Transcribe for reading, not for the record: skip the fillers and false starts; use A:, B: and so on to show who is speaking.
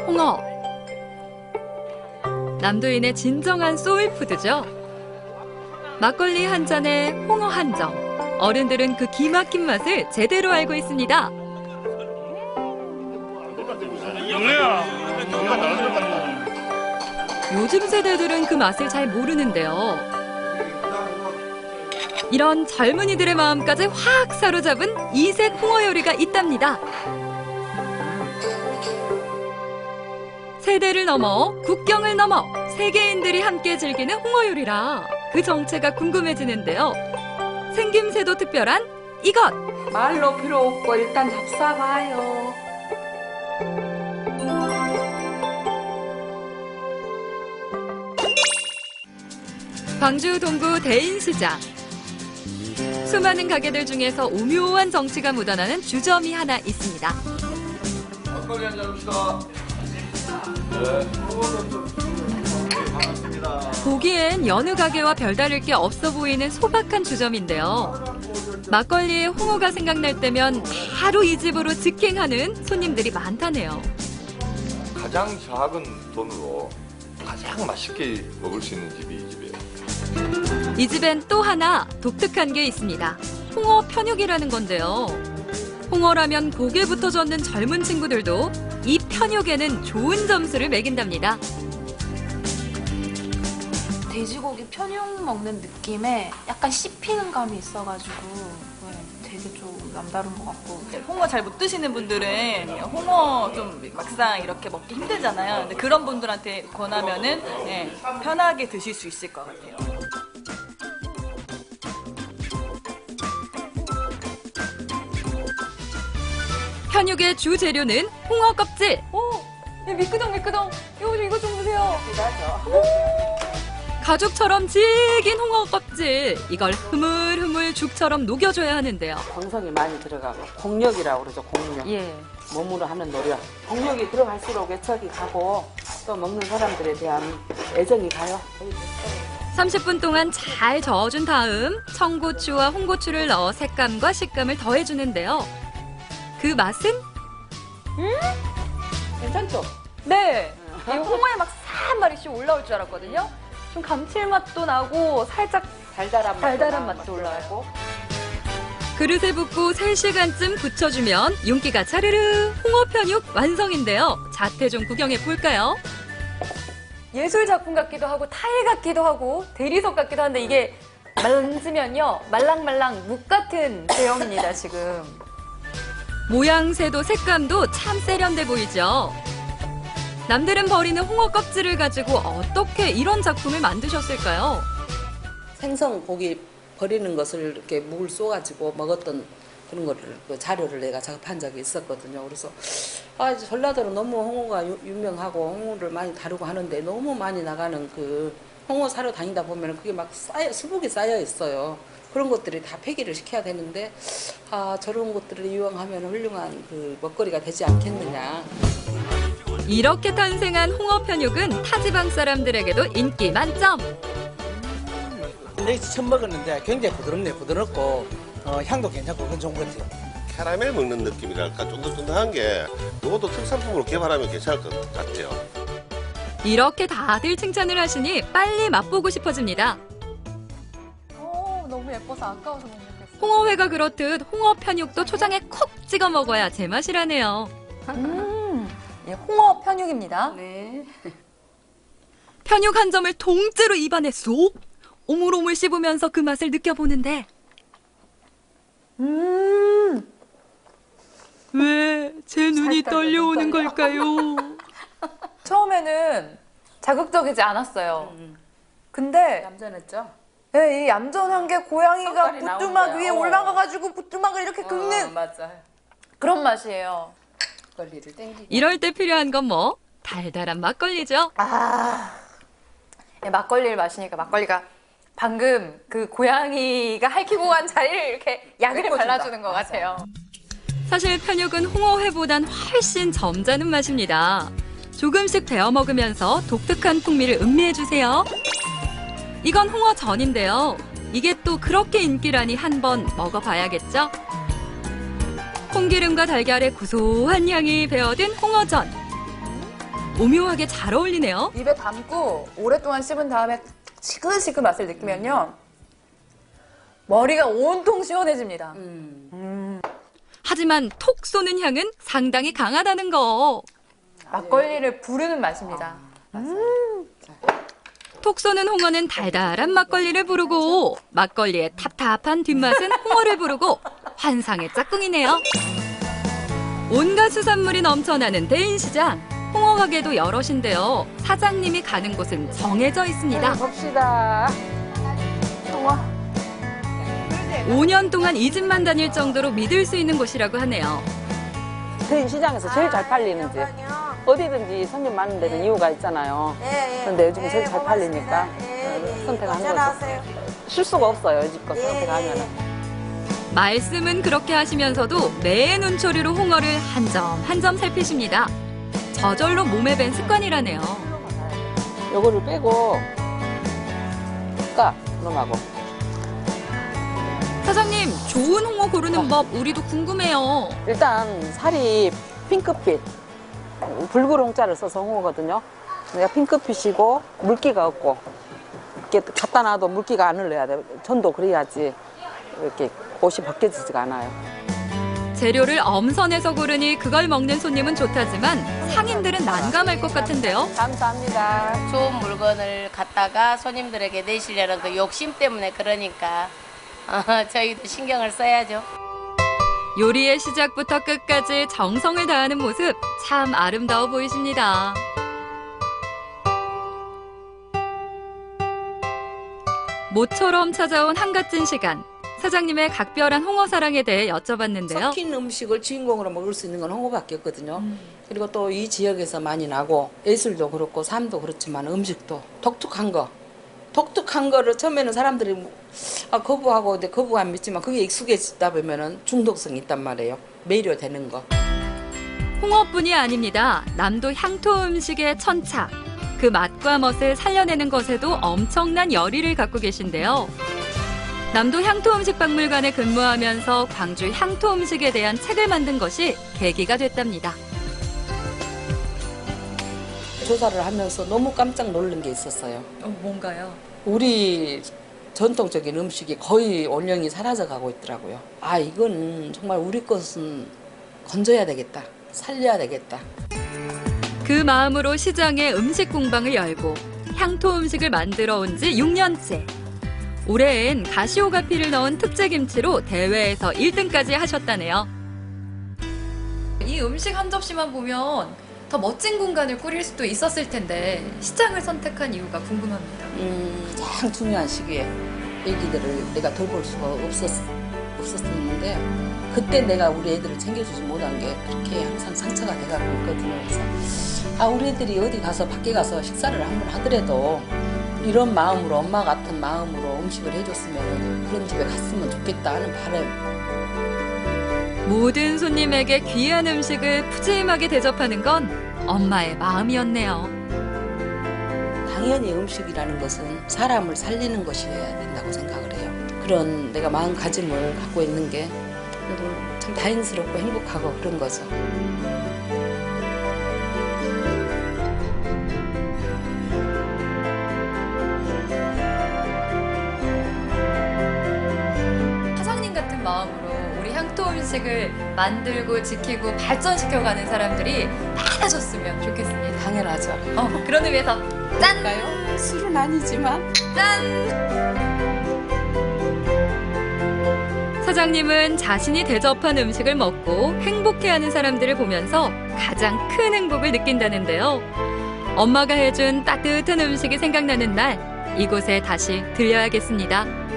A: 홍어. 남도인의 진정한 소울푸드죠. 막걸리 한 잔에 홍어 한 점. 어른들은 그 기막힌 맛을 제대로 알고 있습니다. 요즘 세대들은 그 맛을 잘 모르는데요. 이런 젊은이들의 마음까지 확 사로잡은 이색 홍어 요리가 있답니다. 세대를 넘어 국경을 넘어 세계인들이 함께 즐기는 홍어 요리라 그 정체가 궁금해지는데요. 생김새도 특별한 이것!
B: 말로 필요 없고 일단 잡숴봐요.
A: 광주 동구 대인시장. 수많은 가게들 중에서 오묘한 정치가 묻어나는 주점이 하나 있습니다.
C: 막걸리 한잔 합시다. 네. 반갑습니다.
A: 보기엔 여느 가게와 별다를 게 없어 보이는 소박한 주점인데요. 막걸리에 홍어가 생각날 때면 바로 이 집으로 직행하는 손님들이 많다네요.
C: 가장 작은 돈으로 가장 맛있게 먹을 수 있는 집이 이 집이에요.
A: 이 집엔 또 하나 독특한 게 있습니다. 홍어 편육이라는 건데요. 홍어라면 고개 붙어 젓는 젊은 친구들도 이 편육에는 좋은 점수를 매긴답니다.
D: 돼지고기 편육 먹는 느낌에 약간 씹히는 감이 있어가지고 되게 좀 남다른 것 같고.
E: 홍어 잘 못 드시는 분들은 홍어 좀 막상 이렇게 먹기 힘들잖아요. 근데 그런 분들한테 권하면은 편하게 드실 수 있을 것 같아요.
A: 편육의 주 재료는 홍어 껍질.
D: 미끄덩. 이거 좀 보세요.
A: 가죽처럼 질긴 홍어 껍질. 이걸 흐물흐물 죽처럼 녹여줘야 하는데요.
B: 정성이 많이 들어가고 공력이라고 그러죠. 공력.
D: 예.
B: 몸으로 하는 노력. 공력이 들어갈수록 애착이 가고 또 먹는 사람들에 대한 애정이 가요.
A: 30분 동안 잘 저어준 다음 청고추와 홍고추를 넣어 색감과 식감을 더해주는데요. 그 맛은?
B: 괜찮죠?
D: 네. 이 홍어에 막 한 마리씩 올라올 줄 알았거든요. 좀 감칠맛도 나고 살짝 달달한 맛도 올라오고.
A: 그릇에 붓고 3시간쯤 부쳐주면 윤기가 차르르 홍어 편육 완성인데요. 자태 좀 구경해 볼까요?
D: 예술 작품 같기도 하고 타일 같기도 하고 대리석 같기도 한데 이게 만지면요 말랑말랑 묵 같은 제형입니다 지금.
A: 모양새도 색감도 참 세련돼 보이죠? 남들은 버리는 홍어 껍질을 가지고 어떻게 이런 작품을 만드셨을까요?
B: 생선 고기 버리는 것을 이렇게 묵을 쏘가지고 먹었던 그런 거를 그 자료를 내가 작업한 적이 있었거든요. 그래서 전라도는 너무 홍어가 유명하고 홍어를 많이 다루고 하는데 너무 많이 나가는 그 홍어 사러 다니다 보면 그게 막 수북이 쌓여 있어요. 그런 것들이 다 폐기를 시켜야 되는데 저런 것들을 이용하면 훌륭한 그 먹거리가 되지 않겠느냐.
A: 이렇게 탄생한 홍어 편육은 타지방 사람들에게도 인기 만점.
F: 근데 처음 먹었는데 굉장히 부드럽고 향도 괜찮고 그건 좋은 것 같아요.
G: 캐러멜 먹는 느낌이랄까 쫀득쫀득한 게 이것도 특산품으로 개발하면 괜찮을 것 같아요.
A: 이렇게 다들 칭찬을 하시니 빨리 맛보고 싶어집니다.
D: 너무 예뻐서 아까워서 못 먹겠어요.
A: 홍어회가 그렇듯 홍어 편육도 초장에 콕 찍어 먹어야 제맛이라네요.
D: 예, 홍어 편육입니다.
B: 네.
A: 편육 한 점을 통째로 입안에 쏙! 오물오물 씹으면서 그 맛을 느껴보는데 왜 제 눈이 떨려오는 걸까요?
D: 처음에는 자극적이지 않았어요. 근데
B: 얌전했죠?
D: 네, 이 얌전한 게 고양이가
B: 색깔이
D: 부뚜막
B: 나온
D: 위에
B: 거야.
D: 올라가가지고 부뚜막을 이렇게 긁는
B: 맞아.
D: 그런 맛이에요.
B: 막걸리를 땡기고.
A: 이럴 때 필요한 건 뭐? 달달한 막걸리죠.
D: 예, 막걸리를 마시니까 막걸리가 방금 그 고양이가 핥히고 간 자리를 이렇게 약을 발라주는 것 같아요.
A: 사실 편육은 홍어회보단 훨씬 점잖은 맛입니다. 조금씩 데워 먹으면서 독특한 풍미를 음미해주세요. 이건 홍어전인데요. 이게 또 그렇게 인기라니 한번 먹어봐야겠죠? 콩기름과 달걀의 고소한 향이 배어든 홍어전. 오묘하게 잘 어울리네요.
D: 입에 담고 오랫동안 씹은 다음에 시큰시큰 맛을 느끼면요. 머리가 온통 시원해집니다.
A: 하지만 톡 쏘는 향은 상당히 강하다는 거.
D: 막걸리를 부르는 맛입니다.
A: 톡 쏘는 홍어는 달달한 막걸리를 부르고 막걸리의 탑탑한 뒷맛은 홍어를 부르고 환상의 짝꿍이네요. 온갖 수산물이 넘쳐나는 대인시장. 홍어 가게도 여럿인데요. 사장님이 가는 곳은 정해져 있습니다.
B: 봅시다.
A: 5년 동안 이 집만 다닐 정도로 믿을 수 있는 곳이라고 하네요.
B: 대인 시장에서 제일 잘 팔리는지 어디든지 손님 많은 데는 이유가 있잖아요. 근데 요즘 제일 잘 팔리니까 선택하는 거죠. 실수가 없어요. 이 집 거 선택하면은.
A: 말씀은 그렇게 하시면서도 매 눈초리로 홍어를 한 점 한 점 살피십니다. 저절로 몸에 밴 습관이라네요.
B: 요거를 빼고 까 그놈하고.
A: 사장님, 좋은 홍어 고르는 법 우리도 궁금해요.
B: 일단 살이 핑크빛 붉은홍자를 써서 홍어거든요. 내가 핑크빛이고 물기가 없고 이렇게 갖다 놔도 물기가 안 흘러야 돼. 전도 그래야지 이렇게 옷이 벗겨지지가 않아요.
A: 재료를 엄선해서 고르니 그걸 먹는 손님은 좋다지만 상인들은 난감할 것 같은데요.
B: 감사합니다.
H: 좋은 물건을 갖다가 손님들에게 내시려는 그 욕심 때문에 그러니까 저희도 신경을 써야죠.
A: 요리의 시작부터 끝까지 정성을 다하는 모습 참 아름다워 보이십니다. 모처럼 찾아온 한갓진 시간. 사장님의 각별한 홍어 사랑에 대해 여쭤봤는데요.
B: 섞인 음식을 주인공으로 먹을 수 있는 건 홍어밖에 없거든요. 그리고 또 이 지역에서 많이 나고 예술도 그렇고 삶도 그렇지만 음식도 독특한 거를 처음에는 사람들이 거부하고 근데 거부 안 믿지만 그게 익숙해지다 보면은 중독성이 있단 말이에요. 매료되는 거.
A: 홍어뿐이 아닙니다. 남도 향토 음식의 천차. 그 맛과 멋을 살려내는 것에도 엄청난 열의를 갖고 계신데요. 남도 향토 음식 박물관에 근무하면서 광주 향토 음식에 대한 책을 만든 것이 계기가 됐답니다.
B: 조사를 하면서 너무 깜짝 놀란 게 있었어요.
A: 뭔가요?
B: 우리 전통적인 음식이 거의 원령이 사라져가고 있더라고요. 아, 이건 정말 우리 것은 건져야 되겠다. 살려야 되겠다.
A: 그 마음으로 시장에 음식 공방을 열고 향토 음식을 만들어 온 지 6년째. 올해엔 가시오가피를 넣은 특제김치로 대회에서 1등까지 하셨다네요.
D: 이 음식 한 접시만 보면 더 멋진 공간을 꾸릴 수도 있었을 텐데 시장을 선택한 이유가 궁금합니다.
B: 가장 중요한 시기에 애기들을 내가 돌볼 수가 없었는데 그때 내가 우리 애들을 챙겨주지 못한 게 그렇게 항상 상처가 돼가고 있거든요. 그래서 우리 애들이 어디 가서 밖에 가서 식사를 한번 하더라도 이런 마음으로 엄마 같은 마음으로 음식을 해줬으면 그런 집에 갔으면 좋겠다 하는 바람.
A: 모든 손님에게 귀한 음식을 푸짐하게 대접하는 건 엄마의 마음이었네요.
B: 당연히 음식이라는 것은 사람을 살리는 것이어야 된다고 생각을 해요. 그런 내가 마음가짐을 갖고 있는 게 참 다행스럽고 행복하고 그런 거죠.
D: 사장님 같은 마음으로 우리 향토 음식을 만들고 지키고 발전시켜가는 사람들이 많아졌으면 좋겠습니다.
B: 당연하죠.
D: 그런 의미에서 짠!
B: 술은 아니지만
A: 사장님은 자신이 대접한 음식을 먹고 행복해하는 사람들을 보면서 가장 큰 행복을 느낀다는데요. 엄마가 해준 따뜻한 음식이 생각나는 날 이곳에 다시 들려야겠습니다.